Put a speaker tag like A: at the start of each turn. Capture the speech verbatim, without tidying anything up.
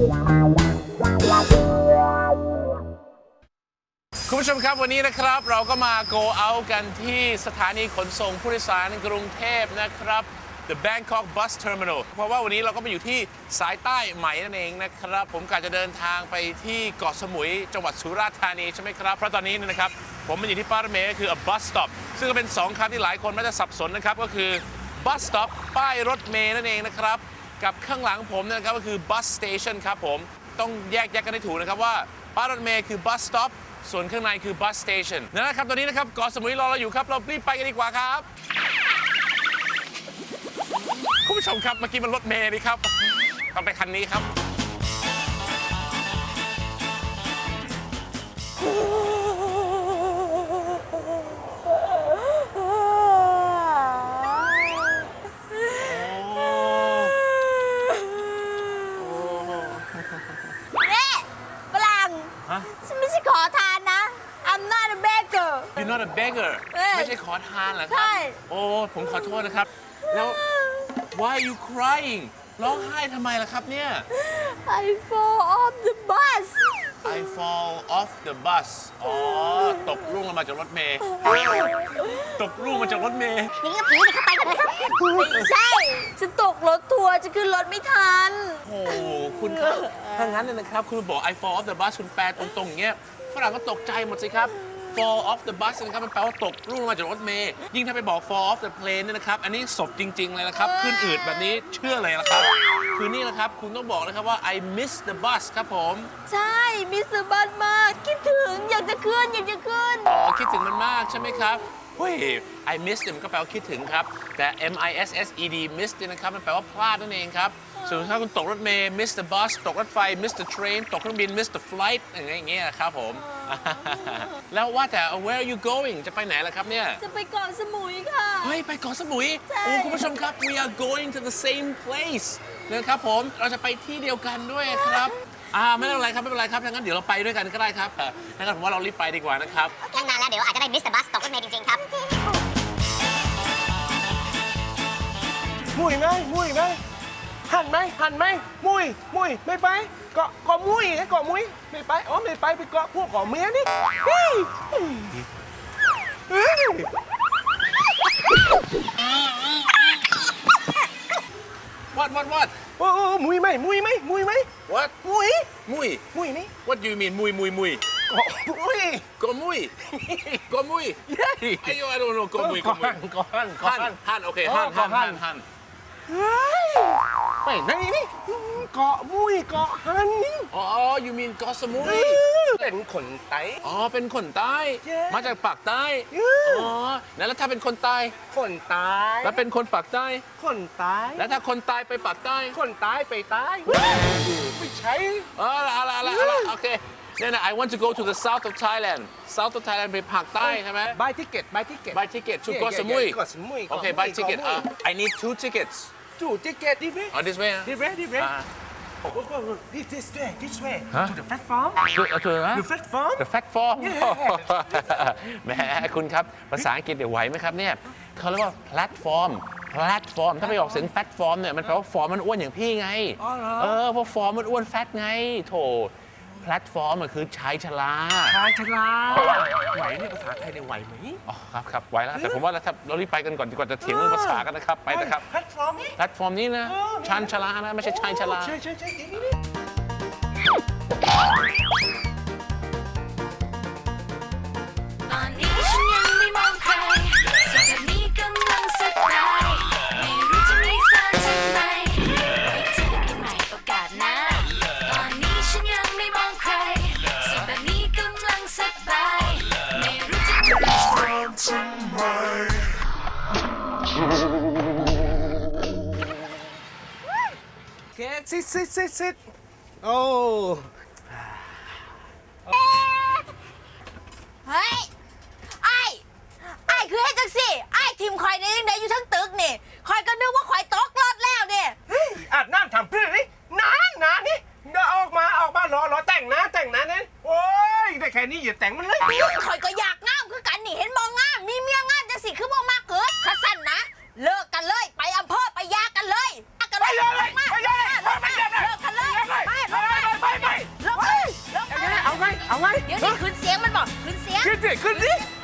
A: คุณผู้ชมครับวันนี้นะครับเราก็มา go out กันที่สถานีขนส่งผู้โดยสารกรุงเทพนะครับ The Bangkok Bus Terminal เพราะว่าวันนี้เราก็มาอยู่ที่สายใต้ใหม่นั่นเองนะครับผมกะจะเดินทางไปที่เกาะสมุยจังหวัดสุราษฎร์ธานีใช่ไหมครับเพราะตอนนี้นะครับผมมาอยู่ที่ป้ายรถเมล์ก็คือ a bus stop ซึ่งก็เป็นสองคำที่หลายคนมักจะสับสนนะครับก็คือ bus stop ป้ายรถเมล์นั่นเองนะครับกับข้างหลังผมนะครับก็คือ bus station ครับผมต้องแยกแยกกันให้ถูกนะครับว่าป้ายรถเมล์คือ bus stopส่วนข้างในคือ bus station นั่นแหละครับตอนนี้นะครับเกาะสมุยรอเราอยู่ครับเรารีบไปกันดีกว่าครับคุณผู้ชมครับเมื่อกี้มันรถเมล์นี่ครับต้องไปคันนี้ครับYou're not a beggar ไม่ใช่ขอทานเหรอครับโอ้ผมขอโทษนะครับแล้ว Why are you crying ร้องไห้ทำไมล่ะครับเนี่ย
B: I fall off the bus
A: I fall off the bus อ๋อตกร่วงลงมาจากรถเมล์ตกร่วงมาจากรถเมล์
B: นี่ก็ผีเข้าไปกันเลยครับไม่ใช่ฉันตกรถทัวร์จะขึ้นรถไม่ทัน
A: โอ้คุณครับถ้างั้นเนี่ยนะครับคุณบอก I fall off the bus คุณแปลตรงๆอย่างเงี้ยฝรั่งก็ตกใจหมดสิครับfall off the bus นะครับมันแปลว่าตกร่วงมาจากรถเมล์ยิ่งถ้าไปบอก fall off the plane เนี่ยนะครับอันนี้ศพจริงๆเลยนะครับขึ้นอืดแบบนี้เชื่อเลยนะครับคือนี่นะครับคุณต้องบอกนะครับว่า I miss the bus ครับผม
B: ใช่ miss the bus มากคิดถึงอยากจะขึ้นอยากจะขึ้น
A: อ๋อคิดถึงมันมากใช่ไหมครับเฮ้ย I miss เนี่ยมันก็แปลว่าคิดถึงครับแต่ M I S S E D miss เนี่ยนะครับมันแปลว่าพลาดนั่นเองครับส่วนถ้าคุณตกรถเมล์ miss the bus ตกรถไฟ miss the train ตกเครื่องบิน miss the flight อย่างเงี้ยครับผมแล้วว่าแต่ where are you going จะไปไหนล่ะครับเนี่ย
B: จะไปเกาะสมุยค่ะ
A: เฮ้ยไปเกาะสมุยโอ้คุณผู้ชมครับ we are going to the same place นะครับผมเราจะไปที่เดียวกันด้วยครับอ่าไม่เป็นไรครับไม่เป็นไรครับงั้นเดี๋ยวเราไปด้วยกันก็ได้ครับงั้นผมว่าเรารีบไปดีกว่านะครับ
B: ตั้งนานแล้วเดี๋ยวอาจจะได้ miss the bus ตกรถเมล์จริงๆครับ
C: มุยไหมมุยไหมหันไหมหันไหมมุยมุยไม่ไปเกาะเกาะมุยเกาะมุยไม่ไปอ๋อไม่ไปไปเกาะพวกเกาะเมียนี่
A: วัดวัดวัด
C: โอ้มุยไหมมุยไหมมุยไหม
A: What
C: มุย
A: มุย
C: มุยนี่
A: What do you mean มุยมุยมุย
C: เกาะมุย
A: เกาะมุยเกาะมุยไอ้ย I don't know เกาะมุยเกาะมุย
C: เกาะหันเกาะหัน
A: หันโอเคหันหันหันหัน
C: ไม่นั่นนี่เกาะมุยเกาะหัน
A: อ๋อ you mean เกาะสมุย
C: เป็นคนใต้
A: อ๋อเป็นคนใต้มาจากปากใต้อ๋อแล้วถ้าเป็นคนใต้
C: คนใต้
A: แล้วเป็นคนปากใต้
C: คนใต้
A: แล้วถ้าคนใต้ไปปากใต้
C: คนใต้ไปใต้ไม่ใช่
A: อ๋ออะไรอะไรอะไรโอเคเนี่ยนะ I want to go to the south of Thailand south of Thailand ไปภาคใต้ใช่ไหม
C: buy ticket buy ticket
A: buy ticket to เกาะสมุย
C: เกาะสมุย
A: โอเค buy ticket I need two tickets
C: two ticket this way
A: oh this way
C: this way this way this this way this way to the platform
A: to the
C: the platform
A: the platform แหมคุณครับภาษาอังกฤษเดี๋ยวไหวไหมครับเนี่ยเขาเรียกว่า platform platform ถ้าไปออกเสียง platform เนี่ยมันแปลว่าฟอร์มมันอ้วนอย่างพี่ไงเออเพราะฟอร์มมันอ้วนแฟตไงโถแพลตฟอร์มมันคือชายชรา
C: ชายชราไหวเนี่ยภาษาไทยเนี่ยไหวไหม
A: อ๋อครับครับไหวแล้วแต่ผมว่าเราเรารีบไปกันก่อนดีกว่าจะเถียงเรื่องภาษากันนะครับไปนะครับ
C: แพลตฟอร์ม
A: แพลตฟอร์มนี้นะชานชรานะไม่ใช่ชายชรา
C: ใช่ใช่ใช่
D: ตอนนี้ฉันยังไม่มองใครส่วนแบบนี้กำลังสบายไม่รู้จะมีแฟนทำไมไว้เจอกันใหม่โอกาสหน้าตอนนี้ฉันยังไม่มองใครส่วนแบบนี้กำลังสบายไม่รู้จะมีแฟนทำไม
C: โอเค sit sit sit sit โอ้
B: เฮ้ยไอ้ไอ้คือให้จังสิไอ้ทีมคอยในยังไงอยู่ทั้งตึกนี่คอยก็นึกว่าคอยตกรถแล้วเนี่ย
C: อาบน้ำทำเพื่อนนี่นานนานนี่เดี๋ยวออกมาออกมารอรอแต่งนะแต่งนะเนี่ยโอ้ยได้แค่นี้อย่าแต่งมันเลย
B: คอยก็อยากงามคือกันนี่เห็นมองงามมีเมียงามจังสิคือมองมากเกิดขัดสั้นนะเลิกกันเลยไปอำเภอไปยากันเลยกันเลย
C: ไปเลยไปเลยไปเลย
B: เลิกกันเลยไปบอกขึ้นเสียง
C: ขึ้นสิขึ้นสิ